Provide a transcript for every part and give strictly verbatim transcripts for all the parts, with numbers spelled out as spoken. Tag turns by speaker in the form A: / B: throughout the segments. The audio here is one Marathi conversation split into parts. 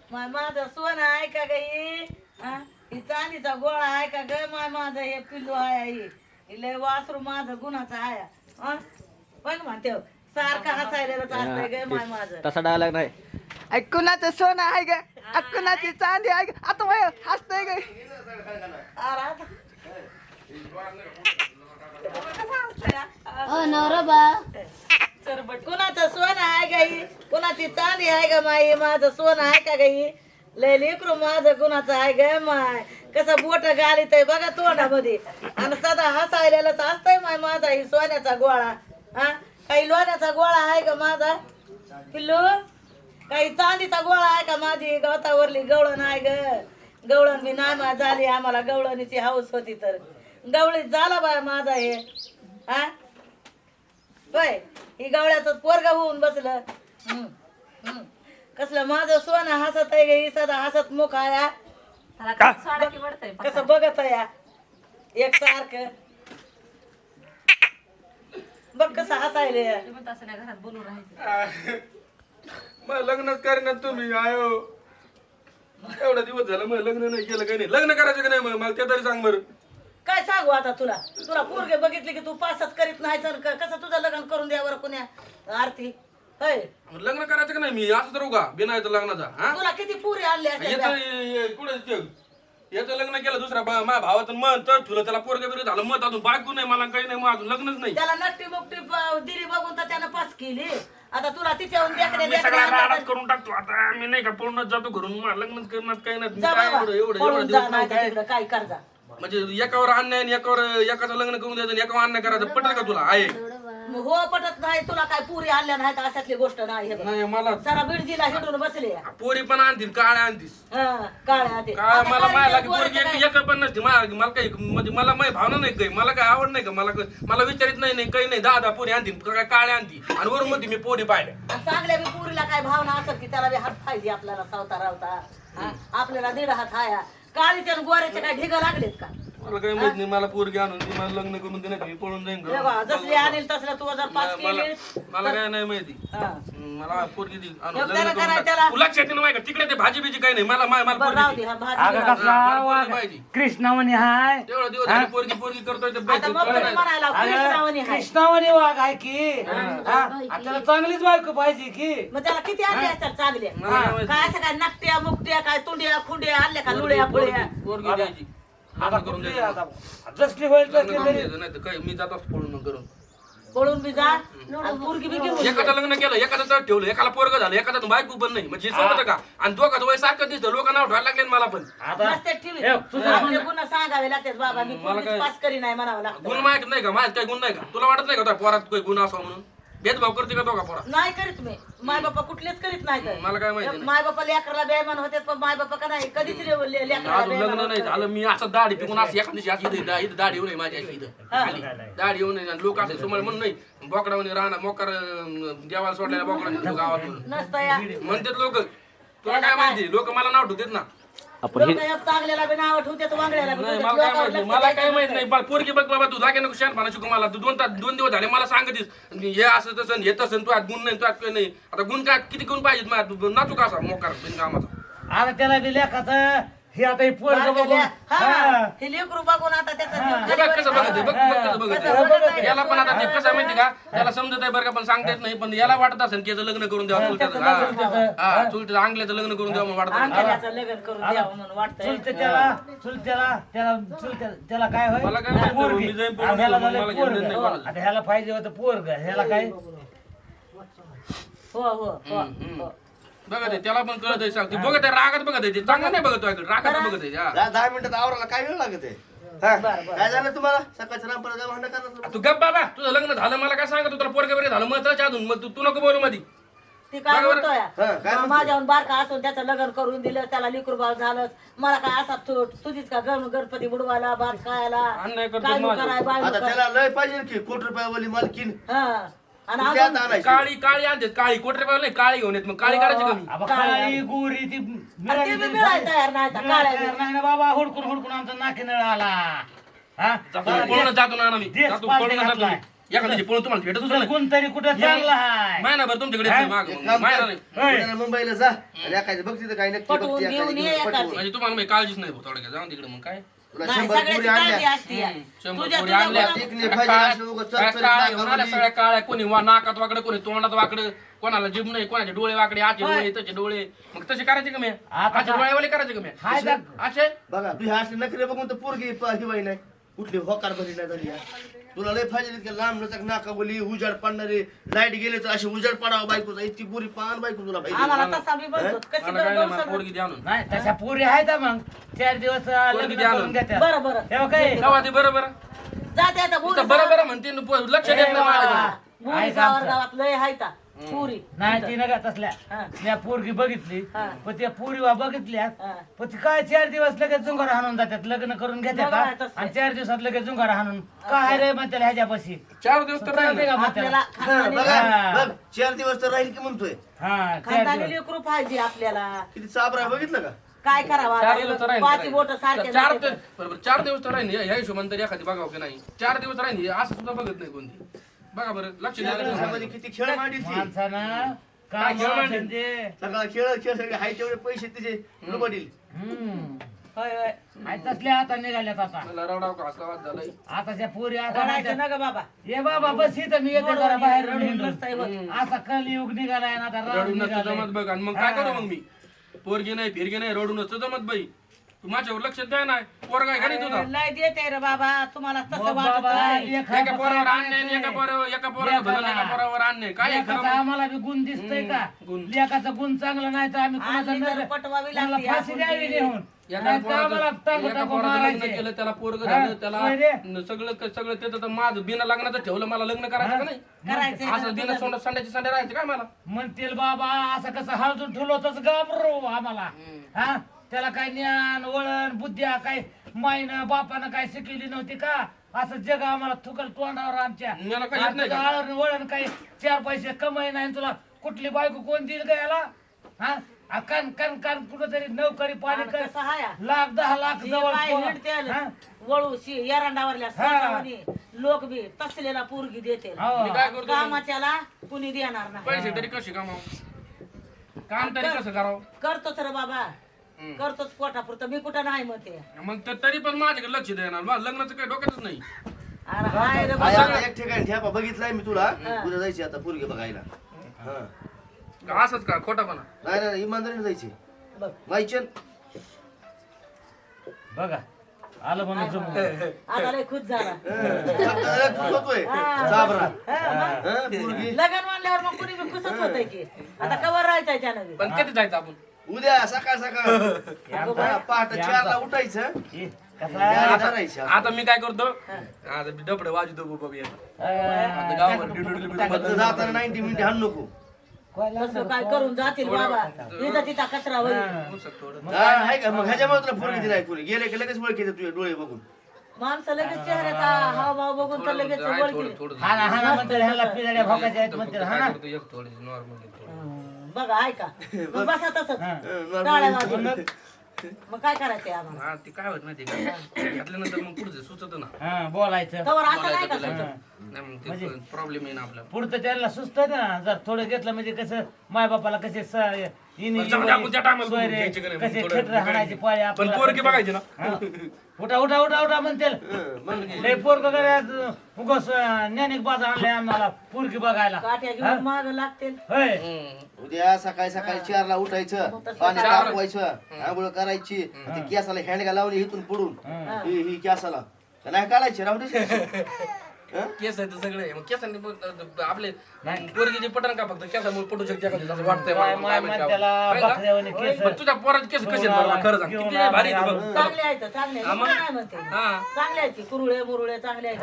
A: माय माझं सोनं आहे का ग ही हा? ही चांदीचा गोळा आहे का ग माय माझं हे पिल्लू आहे ही ही लय वासरू माझं गुणाचं आहे हा? बघ म्हणते सारखं हसायलाच असतंय ग माय माझं.
B: तसा डायलॉग नाही.
C: ऐकुणाचं सोनं आहे ग, ऐकुणाची चांदी आहे ग. आता वय हसतंय ग.
A: अरे आता- कसं हसतंय हा?
D: ओ नवरोबा
A: सरबट कुणाचं सोनं आहे का ही कुणाची चांदी आहे का माई माझं सोनं आहे का ग ही लय लेकरू माझं कुणाचं आहे ग माय कसं बोट घालीत आहे बघा तोंडामध्ये आणि सदा हसायलाच असतंय माय माझा ही सोन्याचा गोळा हा काही लोण्याचा गोळा आहे का माझा पिल्लू काही चांदीचा गोळा आहे का माझी गवतावरली गवळण आहे ग गवळण मी नामा झाली आम्हाला गवळणीची हौस होती तर गवळीत झाला बा माझा हे हा होय ही गवळ्याचं पोरग होऊन बसलं हम्म, हम्म. कसलं माझं सोनं हसत आहे ग ही सदा हसत मुख आया कसं बघत या एक सारखं बघ कसं हसायले
E: घरात बोलून राहायचं
F: मग लग्नच करेन तुम्ही आयो एवढा दिवस झाला मग लग्न नाही केलं काही नाही लग्न करायचं का नाही मग मला ते तरी सांग बरं
A: काय सांगू आता तुला तुला पोरगे बघितले की तू पासच करीत नाही तर क- कसं तुझं लग्न करून द्यावर कुण्या आरती होय
F: मग लग्न करायचं का नाही मी असं तर का बिनायचं लग्नाचा हा
A: तुला किती पुरी आणले
F: याचं कुठे याचं लग्न केलं दुसऱ्या बा- माझ्या भावाचं मन तर ठुलं त्याला पोरगे बिरगे झालं मत अजून बायको नाही मला काही नाही मग अजून लग्नच नाही
A: त्याला नट्टी मुकटी प- दिली बघून तर त्यानं पास केली आता तुला तिच्याहून देखणे
F: मी सगळा राडाच करून टाकतो आता मी नाही का पळूनच जातो घरून मला लग्नच करणार काही नाही मी काय एवढं एवढं एवढं दिवस नाही काय
A: काय कर्जा
F: म्हणजे एकावर अन्याय आणि एकावर एकाचं लग्न करून द्यायचं आणि एकावर अन्याय करायचं पटेल का तुला आहे
A: मग हो पटत नाही तुला काय पुरी आणल्या नाहीत अशातली गोष्ट नाही हे बघ.
F: नाही मला
A: सारा बिडजीला हिडून बसले
F: पोरी पण आणतील काळ्या आणतीस
A: हा, काळ्या ते.
F: काय
A: आता
F: मला
A: काळी
F: माया
A: ते
F: लागे
A: पोरं
F: पोरगी
A: काय-
F: एक एक पण नसते मला मला काही म्हणजे मला माझी भावना नाही काही मला काय आवड नाही का मला काही- मला विचारित नाही नाही काही नाही दहा दहा पोरी आणतील काय काळ्या आणती आणि वरून मध्ये मी पोरी पाहिल्या
A: आणि चांगल्या बी पुरीला काय भावना असत की त्याला बी हात पाहिजे आपल्याला सावता रावता हा? आपल्याला दीड हात हाया काळीच्या आणि गोऱ्याचे काय ढिग लागलेत का
F: मला काही माहित नाही मला पोरगी आणून ती मला लग्न करून देणार मी पळून जाईन
A: हे बघा,
F: घरून.
A: जसली आणेल तसलं तू जर पास
F: मला
A: केली
F: मला काय नाही माहिती
A: हा.
F: मला पोरगी दी आणून
A: मग
F: लग्न
A: त्याला
F: करून
A: करायला
F: टाक.
A: त्याला-
F: तुला लक्षात नाही का तिकडे ते भाजी बिजी काही नाही मला मला मला
A: बरं राहू
F: पोरगी
A: दे
F: दे.
A: हा भाजी
C: अगं
A: बिजी.
C: कसला
F: मला
C: वाघ
F: पोरगी पाहिजे.
C: कृष्णावणी हाय
F: तेवढा दिवस झाले पोरगी पोरगी करतोय ते
A: आता
F: पाहिजे.
A: मग तुम्ही म्हणायला कृष्णावणी
C: अगं
A: हाय.
C: कृष्णावणी वाघ आहे की हा? आणि त्याला चांगलीच बायको पाहिजे की
A: मग त्याला किती आणले असतात चांगले
F: मला नाही माहिती.
A: काय असं काय नकट्या मुकट्या काय तुंड्या खुंड्या आणल्या का लुळ्या फुळ्या
F: पोरगी पोरगी द्यायची
C: आता
F: लग्न करून
C: कुठली
F: द्यायचं.
C: आता जसली होईल
F: लग्न
C: तसली
F: करून
C: तरी
F: द्यायचं नाही तर काही मी जातोच पळून करून
A: पळून बी जा आणि पोरगी बी घेऊन ये.
F: एकाचं लग्न केलं एकाचं तर ठेवलं एकाला पोरग झालं एकाचं बायको पण नाही म्हणजे सोबत का आणि दोघांचं वय सारखं दिसतं लोक नाव ठेवायला लागले मला पण
C: आता
A: मस्त ठेवी
C: हे, तुझं
A: आपले गुन्हा सांगावे लागतात बाबा मी
F: मला
A: पोरगीच
F: काय-
A: पास करी नाही म्हणावं लागतं
F: गुण माहित नाही का माझ्यात काही गुण नाही का तुला वाटत नाही का तुझ्या पोरात काही गुण असावा म्हणून भेदभाव करते का दोघा पोरा
A: नाही करीत मी माय बापा कुठलेच करीत नाही तर.
F: मला काय माहिती नाही.
A: माय बापा लेकरला बेमान होते पण माय बापा का नाही कधीच ले- ले- लेकराला
F: अजून
A: बेईमान
F: लग्न नाही
A: होत
F: झालं मी असं दाढी पिकून असं एखाद दिवशी अशी इथं इथं दाढी येऊ नये माझ्या अशी इथं खाली दाढी येऊ नये आणि लोक असे समोर म्हणून नाही बोकडावणी राहणार मोकार अं, देवाला सोडलेल्या बोकडा गावातून
A: नसतं या
F: म्हणतात लोक तुला काय माहिती लोक मला नाव ठेवतात ना
B: आपण हे
A: लोकं या चांगल्याला बी नाव ठेवतात वांगड्याला बी
F: नाही
A: ठेवतात.
F: मला काय
A: लोकांवर
F: माहित नाही
A: लक्ष
F: मला काय
A: द्यायचं
F: माहित
A: नसतं.
F: नाही बा, पोरगी बघ बाबा तू लागे नको शहाणपणा शिकू मला तू दोन तास दोन दिवस झाले मला सांगतीस हे असं तसं हे तसं तू आज गुण नाही तू आज काही नाही आता गुण काय किती गुण पाहिजेत मला तू नाचू का असा मोकार बिनकामाचा
C: आता त्याला बी लेखाचं हे आता हे पोरग बघून
A: बारकाल्या- हा,
C: हा.
A: हे लेकरू बघून आता त्याचा जीव
F: हे
A: खाली
F: बघ
A: वर
F: कसं बघत आहे, बघ बघ कसं बघत
A: कसं
F: आहे.
A: बघत आहे.
F: याला पण आता ते कसं आहे माहिती का त्याला समजत आहे बरं का पण सांगता येत नाही पण याला वाटत असेल की याचं लग्न करून द्यावं चुलत्याचं हा हा चुलत्याचं अंगल्याचं लग्न करून द्यावं म्हणून वाटत
A: अंगाल्याचं लग्न करून द्यावं म्हणून वाटतंय
C: चुलते त्याला चुलत्याला त्याला चुलत्या त्याला काय होय
F: मला काय माहिती,
C: पोरगी.
F: मी जाईन पळून
C: आणि ह्याला
F: गेलो,
C: झालं
F: मला घेणं नाही
C: पोरग
F: कोणाचं.
C: आता ह्याला पाहिजे होतं पोरग ह्याला काय
A: हो हो हो
F: हम्म.
A: हो.
F: बघत आहे त्याला पण कळत आहे सांगते बघत आहे रागात बघत आहे ते चांगलं नाही बघत आहे, रागात बघत आहे हा.
G: दहा दहा मिनिटात आवराला काय वेळ लागत आहे हा?
A: बरं, बरं.
G: काय झालं तुम्हाला सकाळच्या रामपरा काय भांडण करणार
F: तू गप बाबा तुझं लग्न झालं मला काय सांगत तुला पोरगे वगैरे झालं महत्वाचं अजून मग तू तू नको बोलू मध्ये
A: ती काय
F: बरोबर.
A: म्हणतोय
G: हा, काय म्हणतोय?
A: माझ्याहून बारका असून त्याचं लग्न करून दिलं त्याला लिकरूबाळ झालं मला काय असा तू तुझीच का गण गणपती बुडवायला भात खायला
F: अन्याय करतो
A: काय
F: माझ्यावर.
A: कराय बाय
G: आता त्याला लय पाहिजे की कोटी रुपयावाली मालकीन
A: हा आणि
G: तू त्यात
A: अजून
G: आणायची.
F: काळी काळी आणतात काळी कोटरे पाहिजे नाही काळी घेऊन येत मग काळी करायची कमी
C: आबा काळी गोरी ती
A: आणि ते बी मिळायला तयार नाही आता, काळ्या
C: तयार नाही ना बाबा हुडकून हुडकून आमचा नाकी नळ आला हा
F: जातो पळून जातो ना मी
C: देश
F: जातो
C: पालटी
F: पळून जातो मी
C: घातलाय.
F: एखाद्याची पळून तुम्हाला भेटत
B: तुझा गुण तरी कुठं चांगला आहे.
F: महिनाभर तुमच्याकडे
B: हा?
F: येत नाही
G: एक
F: मागं.
G: काम
F: महिना
G: कर,
F: नाही
G: पुण्याला मुंबईला जा आणि एखादी बघ तिथं काही नक्की
A: पटवून
G: बघ ती
A: घेऊन
G: एखादी
A: ये
G: घेऊन
A: एखादी.
G: पटवून.
F: म्हणजे तुम्हाला मी काळजीच नाही भाऊ थोडक्यात जाऊन तिकडे मग काय
G: तुला
A: नाही,
G: शंभर
A: सगळ्याची
G: पुरी
A: काळजी
G: आणल्या
A: असते या.
F: शंभर
A: तुझ्या
F: पोरी
A: तुझ्या
F: आणल्या.
A: गुणात-
G: टिकली
F: सगळ्या
G: पाहिजे
F: काळ्या-
G: अशी उगाच
F: सगळ्या
G: चरचरीत
F: काळ्या
G: नाकावली.
F: घेऊन आल्या, सगळ्या काळ्या कोणी वा नाकात वाकडं कोणी तोंडात वाकडं कोणाला जीभ नाही कोणाचे डोळे वाकडे आचे डोळे त्याचे डोळे मग तसे करायचे का मी
B: आता
F: आचे
B: का-
F: डोळेवाले करायचे का मी
B: हाय का?
F: असे
G: बघा तू ह्या अशी नखरे बघून तर पोरगी प- ही बाई नाही कुठली होकार भरी नाही झाली आहे. तुला लय फायदे इतके लांब नचक नाका बोली उजाड पडणारे लाईट गेले तर अशी उजाड पडावं बायकोचा इतकी पुरी पान बायको तुला पाहिजे
A: आम्हाला तसा बी बनतो कशी
F: मला काय नाही, मला
A: बरं
F: पोरगी द्या आणून
B: नाही तशा पुरी आहेत मग चार दिवस अं,
F: पोरगी
B: लग्न
F: द्या
B: करून
F: आणून.
B: घेत्या.
A: बरं बरं
B: हे बघ काय?
F: गावात ते बरं बरं
A: जाते आता
F: नुसतं बरं बरं म्हणते न पो- लक्ष देत नाही माझ्याकडे.
A: बुरी
B: आहे
A: गावात
B: आमचं.
A: गावात लय हायता पुरी
B: नाही ती नका तसल्या
A: हा.
B: त्या पोरगी बघितली
A: हा.
B: पण त्या पोरीवा बघितल्या
A: हा.
B: पण ती काय चार दिवस लगेच जुंगार हाणून जातात लग्न करून घेतात
A: बघा
B: का?
A: तसं.
B: आणि चार दिवसात लगेच जुंगार हाणून काय रे म्हणते ह्याच्यापाशी
F: चार दिवस तर राहिले
B: का
A: आपल्याला
B: म्हणते
A: खानदानी
G: बघा
B: हा.
G: बघ चार दिवस तर राहील की म्हणतोय
B: हा चार
A: खानदानी
B: दिवस
A: लेकरू पाहिजे आपल्याला
G: किती चाबरा आहे बघितलं का
A: काय करावं
F: चार
A: आता?
F: दिवस तर राहील
A: पाच बोट सारखे
F: चार
A: झाले
F: ते- बरोबर चार दिवस तर राहील ह्या हिशोबाने तरी एखादी बघावं की नाही चार दिवस राहील असं सुद्धा बघत नाही कोणती बघा बरं लक्ष
G: चार
F: द्या
G: दिवसामध्ये किती खेळ मांडी ती
B: माणसानं
F: काय
B: काम
F: खेळ
B: असेल ते
G: सगळा खेळ खेळ सगळे हाय तेवढे पैसे तिचे लुबडील
B: हम्म
A: होय होय
B: आणि तसल्या आता निघाल्यात आता
F: मला रडाव का आवाज झालाय
B: आता त्या पोरी आता
A: रडायचं
B: म्हणतात,
A: ना ग बाबा
B: ये बाबा बस इथं मी येते जरा बाहेर
A: रडून
B: हिंडून.
A: नसतंय होत.
B: असा कलियुग निघालाय ना आता राम
F: रडून
B: निघालाय.
F: जमत बघ आणि मग काय करू मग मी पोरगी नाही फिरगी नाही रडून जमत बाई तू माझ्यावर लक्ष द्या नाही पोरगा आहे का नाही तुझा
A: लय देते रे बाबा तुम्हाला तसं
B: मग
A: वाटत
B: बाबा,
A: नाही.
B: एक हात
F: एका पोरावर
B: बसायला
F: आणणे आणि एका
B: येते.
F: पोरावर एका पोरावर भलं आणि एका पोरावर आणणे काय आहे खरं
B: लेकाचा
F: मग?
B: आम्हाला बी गुण दिसतोय का
F: गुण.
B: लेकाचा गुण चांगला नाही तर आम्ही कुणाचा
A: आणली तर
B: नजर-
A: पटवावी
B: कुणाला
A: लागते
B: फाशी
A: आपण
B: द्यावी
A: ती.
B: नेऊन
F: एका
B: नाही तर आम्हाला
F: पोराचं
B: टांगू
F: एका
B: टांगू
F: पोराचं लग्न
B: मारायचे.
F: केलं त्याला पोरग
B: हा,
F: झालं त्याला
B: होय रे.
F: न सगळं सगळं त्याचं तर माझं बिना लग्नाचं ठेवलं मला लग्न करायचं का नाही
A: करायचंय
F: असं दिन सोंड संड्याची संड्या राहायचं काय मला
B: म्हणतील बाबा असं कसं हळदून ठेवलं होतच घाबरू आम्हाला हा त्याला काय ज्ञान वळण बुद्ध्या काय माईनं बापानं काय शिकलेली नव्हती का असं जग आम्हाला थुकल तोंडावर आमच्या
F: मला काही येत नाही का?
B: आळण वळण काही चार पैसे कमाई नाही तुला कुठली बायको कोण देईल का याला हा आ, कण कण कण कुठंतरी नोकरी पाणी कर
A: कसं हाय
B: लाख दहा लाख
A: जी
B: जवळ
A: बाई
B: पोरं.
A: हिंडते आलं.
B: हा?
A: वळू शी एरंडावरल्या सोंडावणी लोक बी तसलेला पोरगी देते
B: हो.
F: मी काय करतो मग?
A: कामाच्याला कुणी देणार नाही
F: पैसे तरी कसे कमाव काम तरी कसं करावं
A: करतोच रे बाबा
F: हम्म.
A: करतोच पोटापुरतं मी कुठं नाही म्हणते
F: मग तर तरी पण माझ्याकडे लक्ष देणार मला लग्नाचं काही डोक्यातच नाही
A: अरे हाय रे
G: आई,
A: बाबा
G: आता एक ठिकाणी ठेपा बघितलाय मी तुला उद्या जायची आता पोरगी बघायला हा
F: असंच का खोटापणा
G: नाही नाही इमानदारीने जायची
A: बघ
G: माहिती
B: बघा आलं म्हणून जमून.
A: आता लय खुश झाला
G: होतोय चाबरा हा, पोरगी
A: लग्न म्हणल्यावर मग कुणी बी खुशच होतंय की आता कवर राहायचंय त्यानं बी.
F: पण कधी जायचं आपण
G: उद्या सकाळ सकाळ हा, पहाटे चारला उठायचं
B: ए, कसं
G: गाडी
B: आहे?
G: धरायची
F: आता मी काय करतो आता मी डबडे वाजतो बाबा आता
B: अं,
F: गावावर डिडुडुडु
G: फक्त
F: बदल.
G: जाताना नाईन्टी मिनिट हाण नको
A: तसं काय करून जातील बाबा इथं तिथं कचरा होईल
F: पुस्तक थोडं.
G: हा, आहे का मग ह्याच्यामुळे तुला पोरगी दिलाय कोणी गेले की लगेच ओळखीचे तुझे डोळे बघून
A: माणसं लगेच चेहऱ्याचा हावभाव बघून तर लगेच
F: आहे थोडं
A: ओळखी
F: थोडं
B: हाना हाना म्हणतात ह्याला पिजाड्या भोकाच्या आहेत म्हणतात
F: काय
B: हाना
F: करतो एक थोडी नॉर्मल
A: बघा ऐका मग बसा तसंच
B: हा.
A: टाळ्या वाजवून. मग काय करायचंय आम्हाला
F: हा ते काय होत माहिती का घेतल्यानंतर मग पुढचं सुचत ना
B: हा बोलायचं
A: कवर असं नाही का
F: बोलायचं
A: सुचत?
F: नाही मग ते प्रॉब्लेम येईन आपल्याला
B: पुढचं त्यांना सुस्त ना जर थोडं घेतलं म्हणजे कसं माय बापाला कसे स- इनी-
F: पण जाऊ दे, आपण त्या time ला बघू,
B: सोयरे,
F: घ्यायचे का नाही,
B: कसे
F: थोडं
B: खेटर हाणायची पाळी
F: पण
B: आपल्याला
F: पोरगी बघायची ना
B: हा. उठा उठा उठा उठा म्हणतील लय पोरग उगस ज्ञानिक बाजा आणलाय आम्हाला पोरगी बघायला
A: काठ्या घेऊन माग लागतील
B: होय
G: उद्या सकाळी सकाळी चारला उठायचं पाणी तापवायचं आंघोळ करायची ती केसाला हँडगा लावली इथून पुढून ही ही केसाला का नाही काढायची राहू दे
F: केस आहे तर सगळे मग केसांनी मग आपले पोरगीचे पटन का फक्त केसामुळे पटू शकते एखादी असं वाटतंय मला.
B: माय
F: काय माहिती
B: म्हणत्याला
F: आपण. काय
B: बकऱ्यावानी
F: का?
B: केस.
F: पण तुझ्या पोराचे केस कसे आहेत बरं खरं सांग किती भारी आहेत बघ.
A: चांगले आहेत चांगले आहेत. मी पण नाही म्हणते
F: हा.
A: चांगले आहेत की कुरुळे मुरुळे चांगले आहेत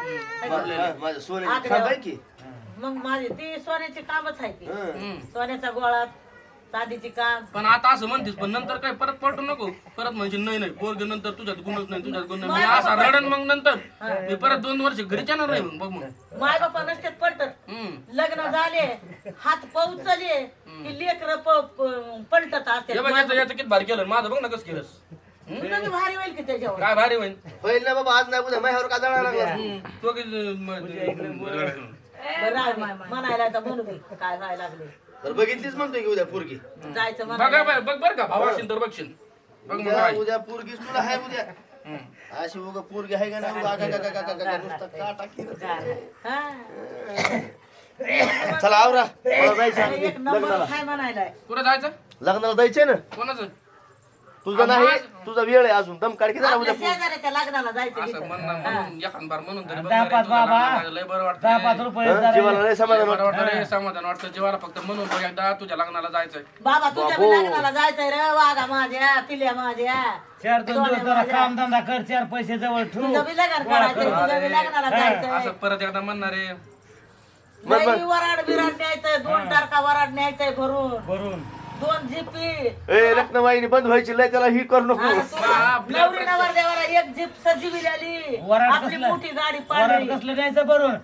G: मा- माझं सोन्याची खांब आहे की
A: मग माझी ती सोन्याची कामच आहे ती
F: हम्म.
A: सोन्याचा गोळा चांदीची काम
F: पण आता असं म्हणतेस पण नंतर काय परत पलटू नको परत म्हणजे नाही नाही पोरग नंतर तुझ्यात गुणच नाही तुझ्यात गुण नाही मी असा रडन मग नंतर मी परत दोन वर्ष घरी येणार नाही मग बघ मग
A: माय बापा नसतात पलटत
F: हम्म.
A: लग्न झाले हात पोचले की लेकर पलटत
F: हे बघ याचं
A: असते
F: याचं किती भारी केलं माझं बघ ना कसं केलंस
A: तुझं बी भारी होईल की त्याच्यावर
F: काय भारी होईल
G: होईल ना बाबा आज नाही उद्या माझ्यावर का जाणार लागला
F: तो की म-
A: बरं आहे, म्हणायला तर म्हणू दे काय व्हायला लागले
G: तर बघितलीच म्हणतोय की उद्या पोरगी
A: जायचं
F: बघा
A: म्हणायला
F: बघ बघ बरं का भाऊ असेल तर बघशील बघ मग
G: उद्या
F: काय
G: उद्या पोरगीच तुला आहे उद्या
F: हम्म.
G: अशी उगा पोरगी आहे का नाही उगा का- का- का- का- का- का- नुसतं काटा केलं.
A: हा.
G: चला आवरा मला जायचं
A: अरे,
G: आहे
A: एक नंबर
G: लग्नाला
A: काय म्हणायला
F: कुठं जायचं
G: लग्नाला जायचंय ना
F: कोणाचं
G: तुझं नाही तुझा वेळ आहे अजून दम काढ की जरा
A: आपल्या
G: उद्या
A: शेजाऱ्याच्या लग्नाला जायचं
F: असं
A: तिथं.
F: म्हणणं म्हणून एखाद बार म्हणून तरी बघ
B: दहा
F: रे,
B: पाच
F: तुझं
B: बाबा
F: लग्न लय बरं
B: दहा पाच
F: वाटतं
B: रुपये
G: हं?
B: जरा-
G: जीवाला लय समाधान
F: बरं
G: वाटतं.
F: वाटतं रे समाधान वाटतं जीवाला फक्त म्हणून बघ एकदा तुझ्या लग्नाला जायचंय
A: बाबा तुझ्या बी लग्नाला जायचंय रे वाघा माझ्या पिल्या माझ्या
B: चार दोन दिवस जरा काम धंदा कर चार पैसे जवळ ठेवू
A: तुझं बी लग्न करायचंय तुझ्या बी लग्नाला जायचंय
F: असं परत एकदा म्हणणार रे
G: बरं, बरं.
A: लई वराड बिराड न्यायचंय दोन टारका वराड न्यायचंय भरून
B: भरून
A: दोन जिपी
G: ए रत्नवाहिनी बंद व्हायची लय त्याला ही करू नको
A: आणि तुला नवरी नवरदेवाला एक जीप सजीवी आली
B: वराड
A: आपली
B: कसलं?
A: मोठी गाडी
B: वराड
A: पाडली
B: कसलं न्यायचं भरून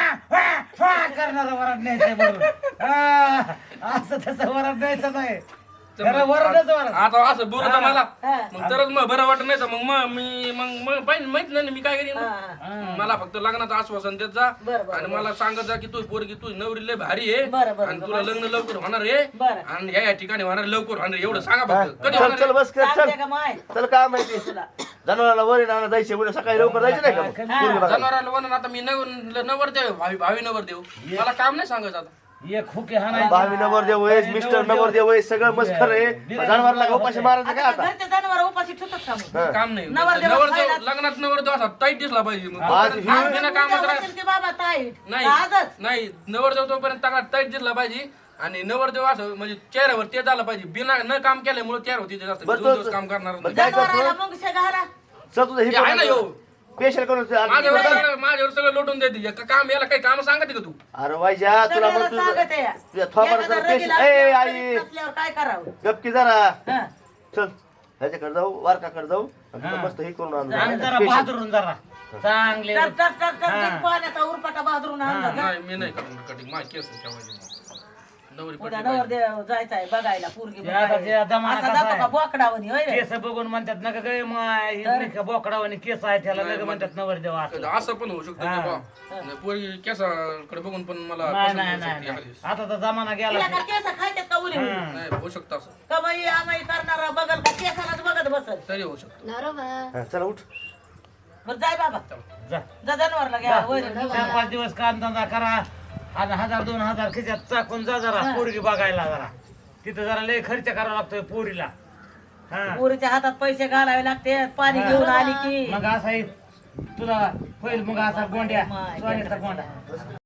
B: करणार वराड न्यायचं भरून हा, असं तसं वराड न्यायचं नाही खरं वराडच वराड
F: आता असं बोलत मला
A: हा.
F: मग तरच मग बरं वाटत नाही तर मग मग मी मग मग पाहिजे माहित नाही ना मी काय करीन
A: हा,
F: मग. मला फक्त लग्नाचं आश्वासन देत जा
A: बरं, बरं,
F: आणि मला सांगत जा की तू पोरगी तू नवरी लय भारी आहे
A: बरं, बरं,
F: आणि तुला लग्न लवकर होणार आहे
A: बरं.
F: आणि या या ठिकाणी होणार आहे, लवकर होणार आहे. एवढं सांगा फक्त कधी
G: चल
F: होणार
G: चल
F: आहे?
G: बस कर चल
A: सांगते का माय
G: चल काय माहिती जनावराला वरी नाना जायचे उद्या सकाळी लवकर जायचं नाही का मग? पोरगी बघायला.
F: जनावराला म्हणून आता मी नव नवर देव भावी भावी नवर देव मला काम नाही सांगायचं आता
B: एक खुके हाणायचं
G: भावी नवर देव आहेस मिस्टर नवर देव आहेस सगळं मस्कर आहे जनावरला का उपाशी मारायचं काय
A: आता
G: आता
A: घरचे जनावर उपाशी ठेवतात का मग?
G: हं.
F: काम नाही
A: नवरदेव
F: नवर देव
A: खायला-
F: लग्नात नवर देव असा टाईट दिसला पाहिजे मग
G: आज
F: तोपर्यंत
G: ही-
F: काम बिना कामात
A: उद्या
F: राह-
A: म्हणतील की बाबा ताईट
F: नाही
A: आजच
F: नाही नवरदेव तोपर्यंत चांगला टाईट दिसला पाहिजे आणि नवरदेव असं म्हणजे चेहऱ्यावर ते झालं पाहिजे बिना न काम केल्यामुळे चेहरा होती जास्त
G: बरं,
F: दोन दिवस
G: तो-
F: काम करणार
G: बरं, काय
A: जनावराला
G: करतो
A: मग घाला
G: चल तुझं हे
F: ते आहे ना
G: करून
F: ह्यो.
G: स्पेशल करून
F: माझ्यावर
G: अरे
F: सगळं माझ्यावर सगळं लोटून देते एक काम याला काही काम सांगते का तू
G: वाईजा तुला
A: सगळ्याला
G: मग
A: सांगत आहे.
G: तुझ्या थोपाला
A: एखादा
G: जर
A: रगीला
G: स्पेशल ए
A: असल्यावर
G: आई
A: करीत नसल्यावर काय करावं
G: गपकी जरा
A: हं.
G: चल ह्याच्याकडे जाऊ वारकाकडे जाऊ आणि तुला मस्त हे करून आणू.
B: आणि जरा
G: Special.
B: बहादरून जरा चांगले
A: तर तर तर तर ते पाण्याचा उरपाटा बाजरून आणला जा.
F: नाही मी नाही करणार कटिंग माझी केस ठेवायची नवरी
A: उद्या
F: पट्टी
A: नवर देव जायचंय बघायला पोरगी
B: ते आता ते जमाना
A: असा
B: कसा
A: जातो
B: आहे?
A: का बोकडावनी होय रे?
B: केस बघून म्हणतात नका काय माय बोकडावानी केस आहे त्याला नका म्हणतात नवरदेव असं
F: पाहिजे. असं पण होऊ शकतं की बा पोरी केसाकडे बघून पण मला
B: नाही
F: पसंत
B: नाही
F: होऊ
B: नाही
F: शकते
B: नाही.
F: एखादी.
B: आता तर जमाना गेला
A: तिला का केस खायच्यात का उली उली?
B: हं.
F: नाही होऊ शकतं असं
A: कमाई आमाई करणारा बघल का केसालाच बघत बसल
F: तरी होऊ शकतं
G: हा, चला उठ
A: बरं जाय बाबा
B: जा
A: जा जनावरला घ्या वर
B: चार पाच दिवस काम धंदा करा आणि हजार दोन हजार खिच्यात टाकून जा जरा पोरगी बघायला जरा तिथं जरा लय खर्च करावा लागतोय पोरीला हा
A: पोरीच्या हातात पैसे घालावे लागते पाणी घेऊन आली की
B: मग असा एक तुला होईल मग असा गोंड्या सोन्याचा गोंडा